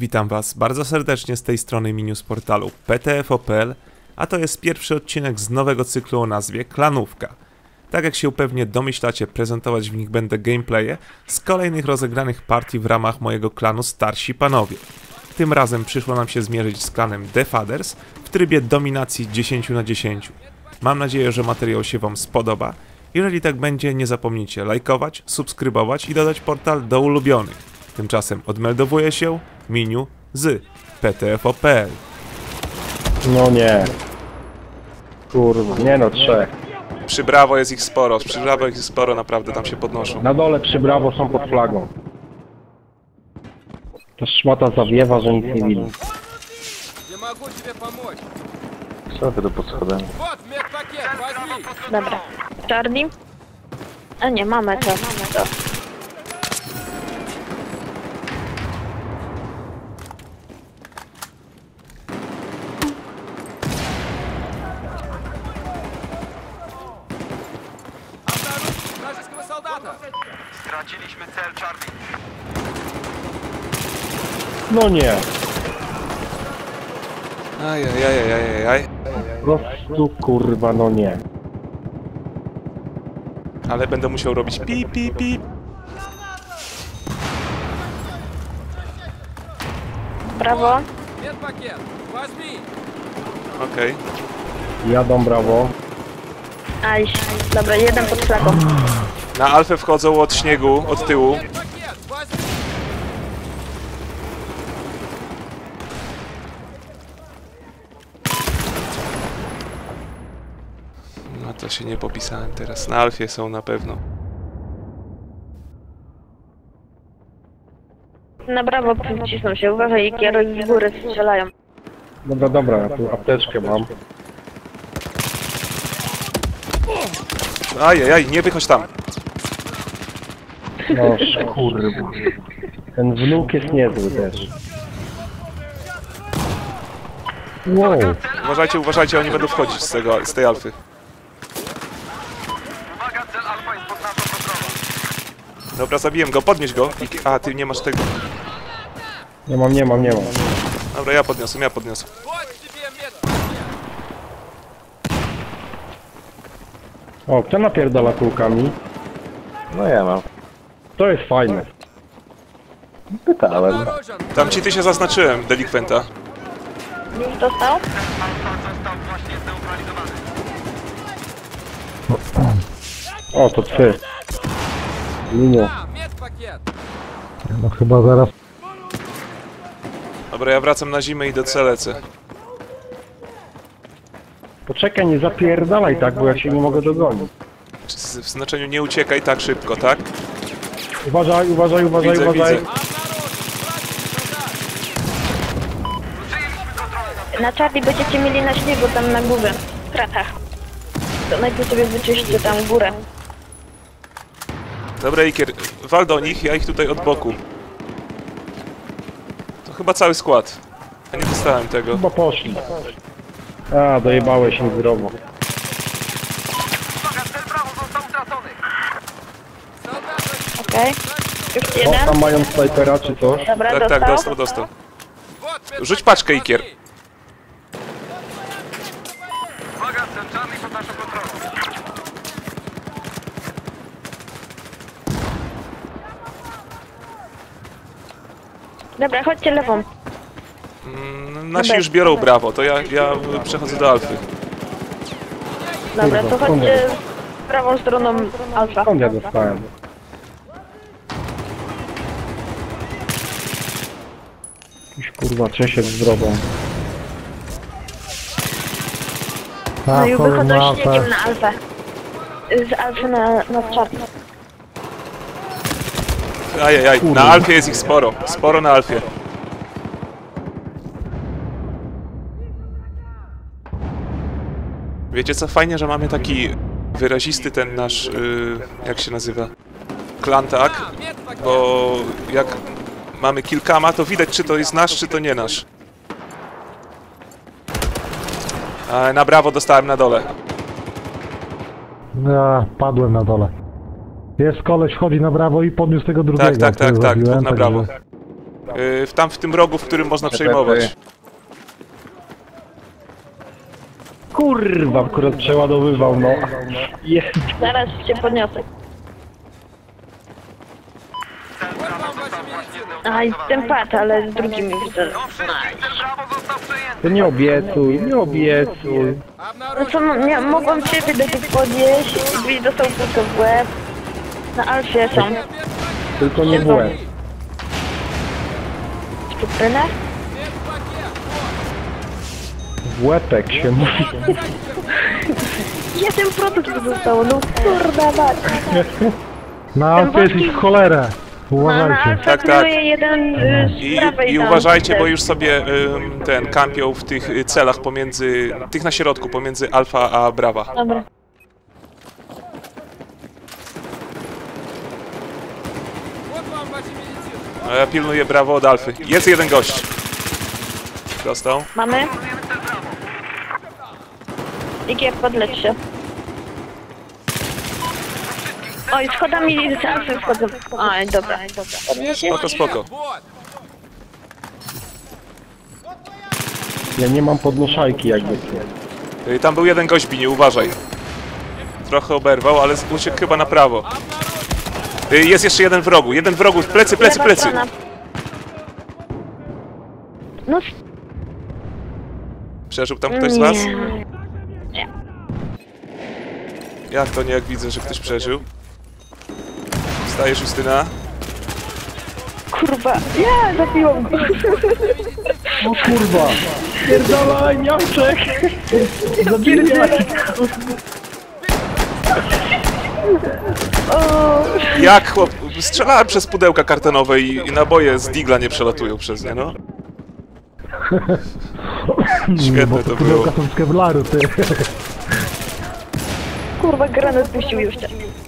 Witam Was bardzo serdecznie z tej strony Minius portalu PTFO.pl, a to jest pierwszy odcinek z nowego cyklu o nazwie Klanówka. Tak jak się pewnie domyślacie, prezentować w nich będę gameplaye z kolejnych rozegranych partii w ramach mojego klanu Starsi Panowie. Tym razem przyszło nam się zmierzyć z klanem The Fathers w trybie dominacji 10 na 10. Mam nadzieję, że materiał się Wam spodoba. Jeżeli tak będzie, nie zapomnijcie lajkować, subskrybować i dodać portal do ulubionych. Tymczasem odmeldowuje się Miniu z PTFO.pl. No nie. Kurwa, nie no, trzech. Przy Brawo jest ich sporo, naprawdę tam się podnoszą. Na dole przy Brawo są pod flagą. Ta szmata zawiewa, że nic nie widzi. Nie mogę ci pomóc. Co wy do pod schodami? Вот медпакет, возьми. Dobra. Charlie? A nie, mamy to. Обнаружить вражеского солдата. Straciliśmy cel, Charlie. No nie. Ajajajajajaj. Po prostu kurwa, no nie. Ale będę musiał robić pi pi pi. Brawo. Медпакет, возьми. Okej. Jadą Brawo. Aj, dobra, jeden pod flagą. Na Alfę wchodzą od śniegu, od tyłu. Медпакет, возьми. No to się nie popisałem teraz. Na Alfie są na pewno. Na brawo cisną się, uważaj, i kieruj z góry strzelają. Dobra, dobra, ja tu apteczkę mam. Ajajaj, nie wychodź tam. No kurwa. Ten wnuk jest niezły też. Wow. Uważajcie, oni będą wchodzić z tej Alfy. Uwaga, cel Alfa jest pod naszą kontrolą. Dobra, zabiłem go, podnieś go. A, ty nie masz tego. Nie mam. Dobra, ja podniosłem. Вот тебе медпакет. O, kto napierdala kulkami? No ja mam. To jest fajne. Pytałem. Обнаружен. Tam ci ty się zaznaczyłem, delikwenta. Już dostał? Alfa został właśnie zneutralizowany. O, to ty. Linio. А, медпакет. No chyba zaraz. Dobra, ja wracam na zimę i do C lecę. Poczekaj, nie zapierdalaj tak, bo ja się nie mogę dogonić. W znaczeniu nie uciekaj tak szybko, tak? Uważaj. Widzę. Na Charlie będziecie mieli na śniegu tam na górze, w kratach. To najpierw sobie wyczyście tam górę. Dobra, Ikier, wal do nich, ja ich tutaj od boku. To chyba cały skład. Ja nie dostałem tego. Chyba poszli. A, dojebałeś im zdrowo. Uwaga, cel Brawo został utracony. Солдат, Okej. Już O, jeden. tam mają snajpera czy coś? Dobra, Tak, dostał. dostał. вот Rzuć paczkę, Ikier. Uwaga, cel Charlie pod naszą kontrolą. Dobra, chodźcie lewą. Nasi już biorą Brawo, to ja przechodzę do Alfy. Dobra, Kurwa, to skąd chodźcie prawą stroną Alfa. Skąd ja dostałem? Jakiś kurwa Czesiek z drogą. No i wychodzą śniegiem na Alfę. Z Alfy na Charlie. Ajajaj, na Alfie jest ich sporo. Sporo na Alfie. Wiecie co, fajnie, że mamy taki wyrazisty ten nasz, jak się nazywa? Klan, tak? медпакет. Bo jak mamy kilkama, to widać, czy to jest nasz, czy to nie nasz. Na Brawo dostałem na dole. Ja padłem na dole. Jest koleś, wchodzi na brawo i podniósł tego drugiego. Tak, który dwóch zabiłem, na brawo. Tam w tym rogu, w którym można przejmować. Kurwa, akurat przeładowywał, no. Jest. Zaraz cię podniosę. Cel Brawo został właśnie Aj, ten pad, ale z drugimi widzę. Do wszystkich, cel Brawo został przejęty. To nie obiecuj, nie obiecuj. No co, mogłam ciebie do tych podnieść i byś dostał kulkę w łeb. Na Alfie są. Tylko nie w łeb. Sztuprynę? W łepek się mówi. 1% zostało, no kurda mać. Na Alfie jest ich cholerę. No, na Uważajcie. Alfie Tak, tak. pilnuje jeden z prawej I tam. uważajcie, bo już sobie kampią w tych celach pomiędzy, tych na środku, pomiędzy Alfa a Brawa. Dobra. Вот вам ваши медицины. A ja pilnuję Brawo od Alfy. Jest jeden gość. Dostał. Mamy? Igier, podleć się. Oj, schodami z Alfy wchodzą. Oj, dobra. Podniesiesz? Spoko, spoko. Вот. Ja nie mam podnoszajki jakby. Tam był jeden gość, Bini, uważaj. Trochę oberwał, ale uciekł chyba na prawo. Jest jeszcze jeden w rogu, plecy, plecy, Lewa plecy. strona. No, Przeżył tam ktoś z was? nie. Jak to nie, jak widzę, że ktoś przeżył? Wstajesz, Justyna? Kurwa, ja zabiłam go. O kurwa! Pierdolaj, miałczek! Zabijaj! O, Jak chłop... Strzelałem przez pudełka kartonowe i naboje z digla nie przelatują przez nie, no. Świetne Bo to było. pudełka są z kevlaru, ty. kurwa, granat puścił jeszcze.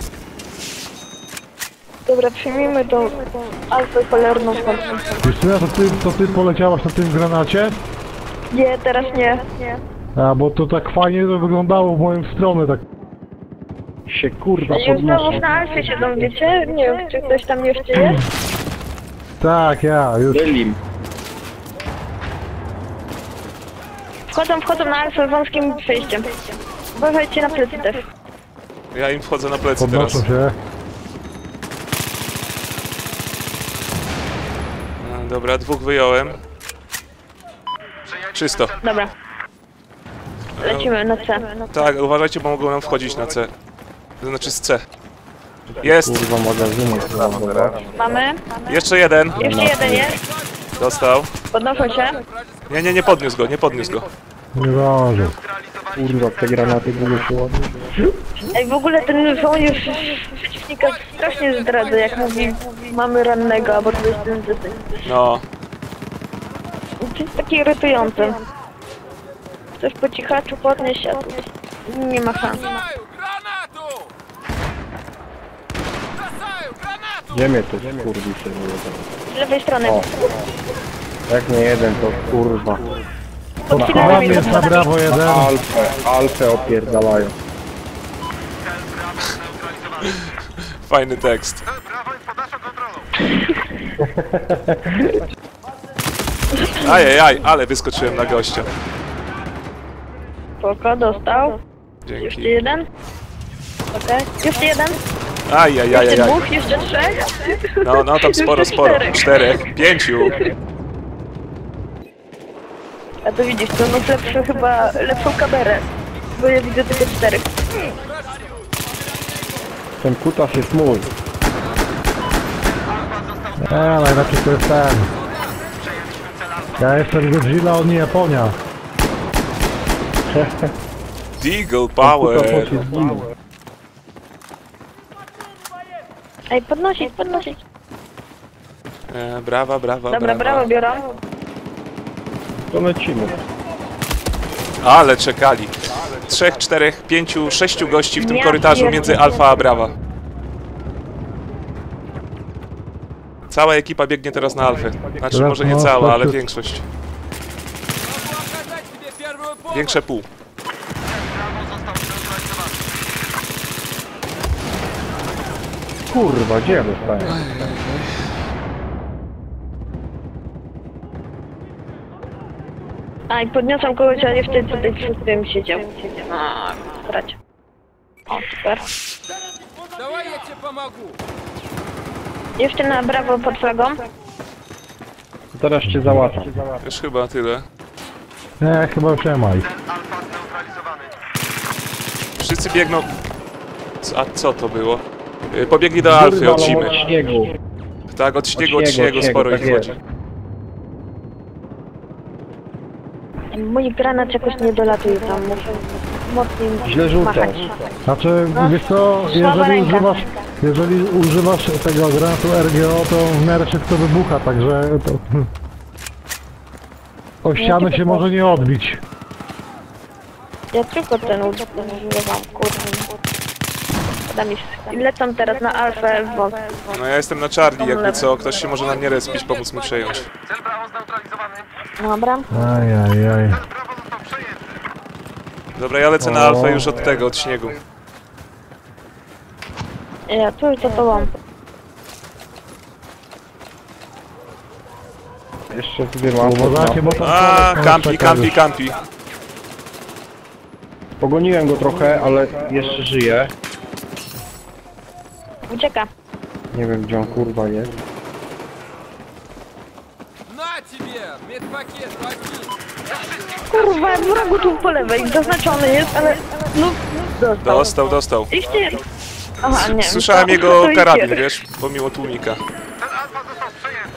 Dobra, przyjmijmy tą alfę cholerną wchodzą. Justyna, to ty poleciałaś na tym granacie? Nie, teraz nie. A, bo to tak fajnie to wyglądało w moją stronę, tak. Się kurwa Już znowu podnoszę. na alfie siedzą, wiecie? Nie wiem, czy ktoś tam jeszcze jest? Tak, ja, już. Bylim. Wchodzą na alfę wąskim przejściem. Uważajcie na plecy też. Ja im wchodzę na plecy teraz. Podnoszą się. Dobra, dwóch wyjąłem. Czysto. Dobra. Lecimy na C. Tak, uważajcie, bo mogą nam wchodzić na C. To znaczy z C. Jest! Kurwa magazynek załadować. Mamy? Jeszcze jeden. Jeszcze jeden jest. Dostał. Podnoszą się. Nie, nie podniósł go, nie podniósł go. Nie zdążył. Kurwa, te granaty długo się ładują. Ej, w ogóle ten żołnierz przeciwnika strasznie zdradza, jak mówi mamy rannego, albo to jest ten. No. To jest takie irytujące. Chcesz po cichaczu podnieść, a tu nie ma szans. Бросаю гранату! Бросаю гранату! Gdzie mnie to skurwi się nie Z lewej strony. O. Jak nie jeden, to kurwa. Pod Tam filarami, jest na pod brawo jeden. Alfę opierdalają. Fajny tekst. Cel Brawo jest pod naszą kontrolą. Ajajaj, ale wyskoczyłem na gościa. Spoko, dostał. Jeszcze Dzięki. jeden. Okej. Jeszcze jeden. Jeszcze Ajajajajaj. dwóch, jeszcze trzech. No tam sporo, Jeszcze sporo. czterech. 4, 5. A to widzisz, to masz lepszą kamerę. Bo ja widzę tylko 4. Ten kutas jest mój. Najlepiej to jest ten. Ja jestem Godzilla, on nie Japonia. Deagle Kutas Power. się zginął. Ej, podnosić. Brawa, brawa, Dobra, brawo, biorą. To lecimy. Ale czekali. 3, 4, 5, 6 gości w tym Ja korytarzu pierdolę. między Alfa a Brawa. Cała ekipa biegnie teraz na Alfę. Znaczy Teraz może nie no, cała, tak, ale tak. większość. Могу оказать тебе первую помощь! Większe pół. Brawo został zneutralizowany. Kurwa, gdzie ja dostałem? A i podniosłam kogoś, ale wtedy tutaj przy tym siedział. A, brać. O, super. Давай я тебе помогу. Jeszcze na brawo pod flagą. Teraz cię załatwię. Już chyba tyle. Nie, chyba już nie ma ich. Cel alfa zneutralizowany. Wszyscy biegną... A co to było? Pobiegli do Alfy od zimy. Od śniegu. Tak, od śniegu śniegu, sporo tak ich jest. chodzi. Mój granat jakoś nie dolatuje tam, muszę mocniej Źle rzucasz. machać. Znaczy, wiesz co, Słaba ręka. jeżeli używasz tego granatu RGO, to w miarę szybko wybucha, także to... O ścianę się może nie odbić. Ja tylko ten używam, kurde. I lecą teraz na alfę w wąs. No ja jestem na Charlie, jakby co, ktoś się może na mnie respić, pomóc mi przejąć. Cel brawo zneutralizowany. Dobra. Ajajaj. Cel brawo został przejęty. Dobra, ja lecę na Alfę już od tego, od śniegu. Ja tu już za tobą. Jeszcze sobie mam. Uważajcie, bo tam... A, kampi. Pogoniłem go trochę, ale jeszcze żyje. Ucieka. Nie wiem gdzie on kurwa jest. На тебе! Медпакет, возьми! Kurwa, wrogu tu po lewej, zaznaczony jest, ale... No, Dostał. Ich ty... Aha, nie. Słyszałem to- jego to karabin, idzie. wiesz, pomimo tłumika. Cel alfa został przejęty.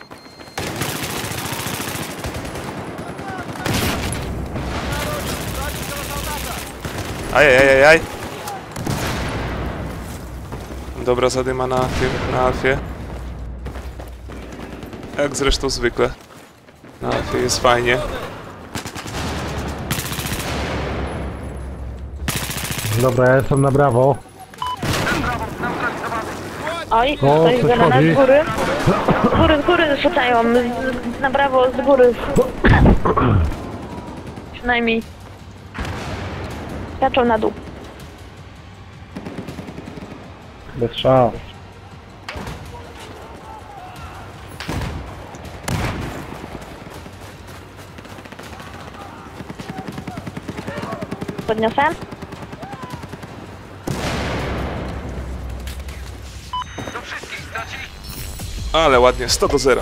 Ajajajaj. Dobra zadyma na tym, na Alfie. Jak zresztą zwykle. Na Alfie jest fajnie. Dobra, ja jestem na brawo. Oj, O, ktoś coś gada chodzi. z góry. Z góry rzucają, na brawo, z góry. Przynajmniej. Skaczą na dół. Bez szans. Podniosę? Do wszystkich stracili. Ale ładnie, 100-0.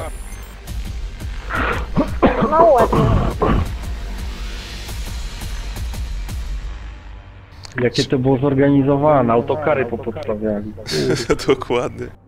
No ładnie. Jakie to było zorganizowane, autokary popodstawiali. Dokładnie.